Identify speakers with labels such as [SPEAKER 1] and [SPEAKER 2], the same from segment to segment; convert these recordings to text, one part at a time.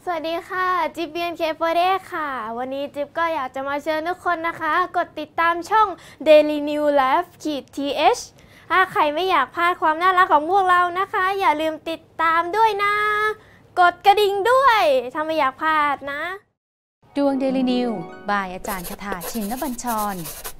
[SPEAKER 1] สวัสดีค่ะจิ๊บเบียนเคเฟเดค่ะวันนี้จิ๊บก็อยากจะมาเชิญทุกคนนะคะกดติดตามช่อง Daily New Life th ถ้าใครไม่อยากพลาดความน่ารักของพวกเรานะคะอย่าลืมติดตามด้วยนะกดกระดิ่งด้วยถ้าไม่อยากพลาดนะ
[SPEAKER 2] ดวงเดลินิวบายอาจารย์คาถาชินบัญชร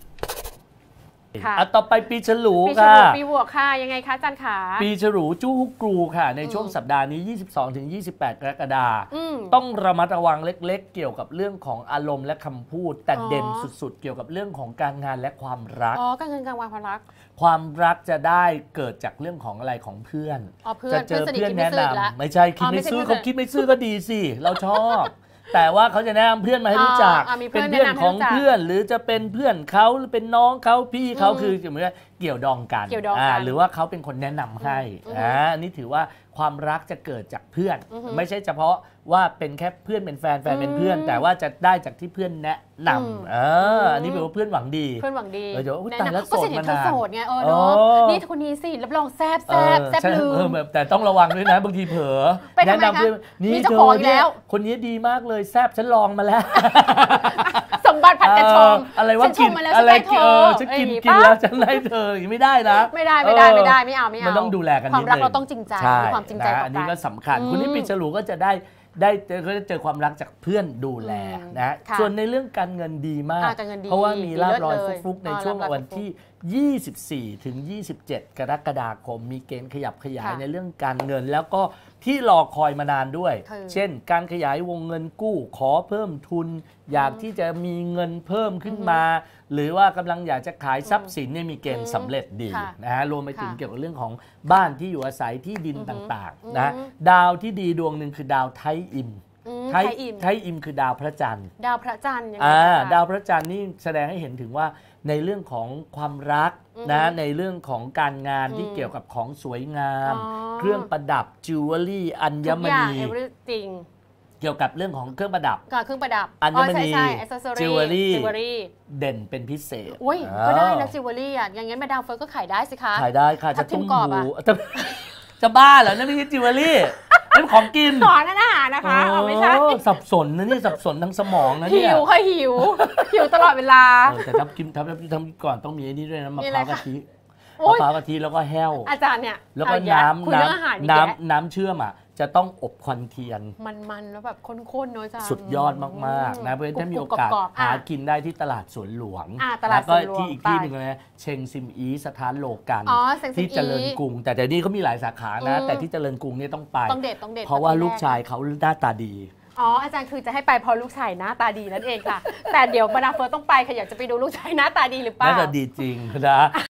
[SPEAKER 3] ต่อไปปีฉลูค่ะ
[SPEAKER 4] ปีบวกค่ะยังไงคะอาจารย์ขา
[SPEAKER 3] ปีฉลูจู้ฮุกกรูค่ะในช่วงสัปดาห์นี้ 22-28 กรกฎาคมต้องระมัดระวังเล็กๆเกี่ยวกับเรื่องของอารมณ์และคำพูดแต่เด่นสุดๆเกี่ยวกับเรื่องของการงานและความรัก
[SPEAKER 4] การเงินการวางความรัก
[SPEAKER 3] จะได้เกิดจากเรื่องของอะไรของเพื่อน
[SPEAKER 4] จะเจอเพื่อนแนะน
[SPEAKER 3] ำไม่ใช่คิดไม่ซื่อเขาคิดไม่ซื่อก็ดีสิเราชอบแต่ว่าเขาจะแนะนำเพื่อนมาให้รู้จักเป็นเพื่อนของเพื่อนหรือจะเป็นเพื่อนเขาหรือเป็นน้องเขาพี่เขาคือเหมือนเกี่ยวดองกันหรือว่าเขาเป็นคนแนะนำให้นี่ถือว่าความรักจะเกิดจากเพื่อนไม่ใช่เฉพาะว่าเป็นแค่เพื่อนเป็นแฟนเป็นเพื่อนแต่ว่าจะได้จากที่เพื่อนแนะนำอันนี้แปลว่าเพื่อนหวังดี
[SPEAKER 4] เดี๋ยว
[SPEAKER 3] แต่แล้วโสดมานาน
[SPEAKER 4] ไงนี่คนนี้สิรับรองแซ่บลืม
[SPEAKER 3] แต่ต้องระวังด้วยนะบางทีเผลอแนะนำเพื่อนนี่เธอเนี่ยคนนี้ดีมากเลยแซ่บฉันลองมาแล้ว
[SPEAKER 4] สมบัติผัดกันชม
[SPEAKER 3] อะไรว่ากินอะไรฉันกินแล้วฉันไล่เธอไม่ได้นะ
[SPEAKER 4] ไม่เอา
[SPEAKER 3] มันต้องดูแลกัน
[SPEAKER 4] ความรักเราต้องจริงใจมีความจริงใจต่อกัน
[SPEAKER 3] อันนี้ก็สำคัญคุณที่ปีฉลูก็จะก็จะเจอความรักจากเพื่อนดูแลนะส่วนในเรื่องการเงินดีมากเพราะว่ามีลาภลอยฟุกๆในช่วงวันที่24 ถึง 27 กรกฎาคมมีเกณฑ์ขยับขยายในเรื่องการเงินแล้วก็ที่รอคอยมานานด้วยเช่นการขยายวงเงินกู้ขอเพิ่มทุนอยากที่จะมีเงินเพิ่มขึ้นมาหรือว่ากำลังอยากจะขายทรัพย์สินเนี่ยมีเกณฑ์สำเร็จดีนะฮะรวมไปถึงเกี่ยวกับเรื่องของบ้านที่อยู่อาศัยที่ดินต่างๆนะดาวที่ดีดวงหนึ่งคือดาวไทอิมไทอิมคือดาวพระจันทร์
[SPEAKER 4] ดาวพระจันทร์
[SPEAKER 3] ดาวพระจันทร์นี่แสดงให้เห็นถึงว่าในเรื่องของความรักนะในเรื่องของการงานที่เกี่ยวกับของสวยงามเครื่องประดับจิวเวลรี่อัญมณีเกี่ยวกับเรื่องของเครื่องประดับอัญมณีจิวเวลรี่เด่นเป็นพิเศษ
[SPEAKER 4] ก็ได้นะจิวเวลรี่อย่างงั้นมาดามเฟิร์สก็ขายได้สิคะ
[SPEAKER 3] ขายได้ค่ะจะตุ้มหูจะบ้าเหรอนั่นไม่ใช่จิวเวลรี่นั่นของกิน
[SPEAKER 4] ของอาหารนะคะไม่ใช่
[SPEAKER 3] สับสนนะนี่สับสนทั้งสมองนะเนี่ย
[SPEAKER 4] หิวตลอดเวลา
[SPEAKER 3] แต่ทำก่อนต้องมีไอ้นี่ด้วยนะมะพร้าวกะทิแล้วก็แห้ว
[SPEAKER 4] อาจารย์เนี่ย
[SPEAKER 3] แล้วก็น้ำเชื่อมจะต้องอบควันเทียน
[SPEAKER 4] มันแล้วแบบข้นๆเนาะจ้า
[SPEAKER 3] สุดยอดมากๆนะเพราะฉะนั้นถ้ามีโอกาสหากินได้ที่ตลาดสวนหลวง
[SPEAKER 4] แล้ว
[SPEAKER 3] ก็ที่อีกที่หนึ่งนะเชงซิมอีสถานโลกันที่เจริญกรุงแต่เดี๋ยวนี้เขามีหลายสาขานะแต่ที่เจริญกรุงเนี่ยต้องไปเพราะว่าลูกชายเขาหน้าตาดี
[SPEAKER 4] อาจารย์คือจะให้ไปพอลูกชายหน้าตาดีนั่นเองค่ะแต่เดี๋ยวมาดามเฟิร์สต้องไปค่ะอยากจะไปดูลูกชายหน้าตาดีหรือเปล่า
[SPEAKER 3] น่าจะดีจริงนะ